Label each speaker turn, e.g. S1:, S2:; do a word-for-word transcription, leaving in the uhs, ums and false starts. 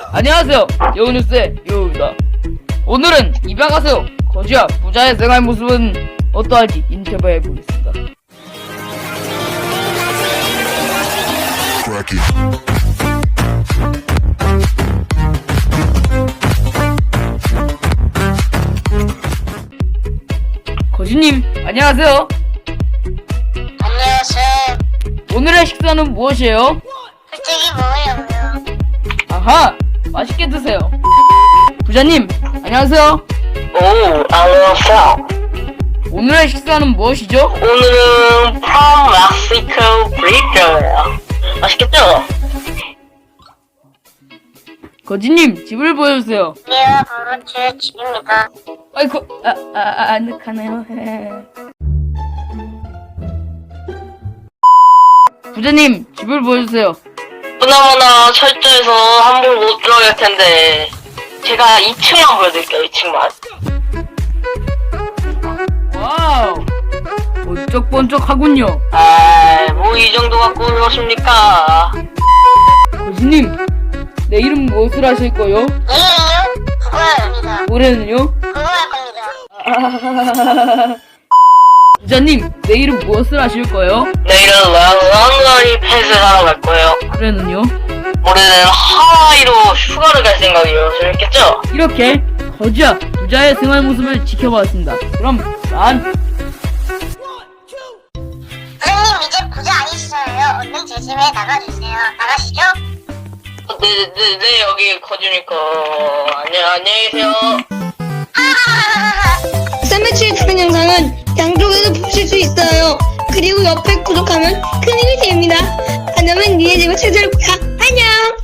S1: 안녕하세요. 여우뉴스의 여우입니다. 오늘은 입양하세요. 거지와 부자의 생활 모습은 어떠할지 인터뷰해보겠습니다. 거지님, 안녕하세요.
S2: 안녕하세요.
S1: 오늘의 식사는 무엇이에요?
S2: 솔직히 뭐예요?
S1: 아하! 맛있게 드세요. 부자님, 안녕하세요.
S2: 오, 안녕하세요.
S1: 오늘의 식사는 무엇이죠?
S2: 오늘은 프롬 멕시코 브리저예요. 맛있겠죠?
S1: 거지님, 집을 보여주세요.
S2: 예, 바로 제 집입니다.
S1: 아이고, 아, 아, 아, 아늑하네요. 부자님, 집을 보여주세요.
S2: 보나마나 철저해서 함부로 못 들어갈 텐데 제가 이 층만 보여드릴게요. 이 층만.
S1: 와우, 번쩍번쩍하군요.
S2: 아, 뭐 이 정도 갖고 그러십니까?
S1: 거지님, 내일은 무엇을 하실 거요?
S2: 내일은요? 그거야 합니다.
S1: 올해는요?
S2: 그거 할 겁니다.
S1: 부자님, 내일은 무엇을 하실 거요?
S2: 내일은 런던이 펫을 하러 갈 거예요.
S1: 올해는요?
S2: 올해는 하와이로 휴가를 갈 생각이에요. 재밌겠죠?
S1: 이렇게 거지와 부자의 생활 모습을 지켜봤습니다. 그럼 난
S2: 선생님 이제 부자 아니시잖아요. 얼른 제 집에 나가주세요. 나가시죠? 네, 네, 네, 여기 거주니까 안녕, 안녕히 계세요.
S3: 쌈매치의 다른 영상은 양쪽에서 보실 수 있어요. 그리고 옆에 구독하면 큰 힘이 됩니다. 안 하면 니네 집을 찾아올 거야. 안녕!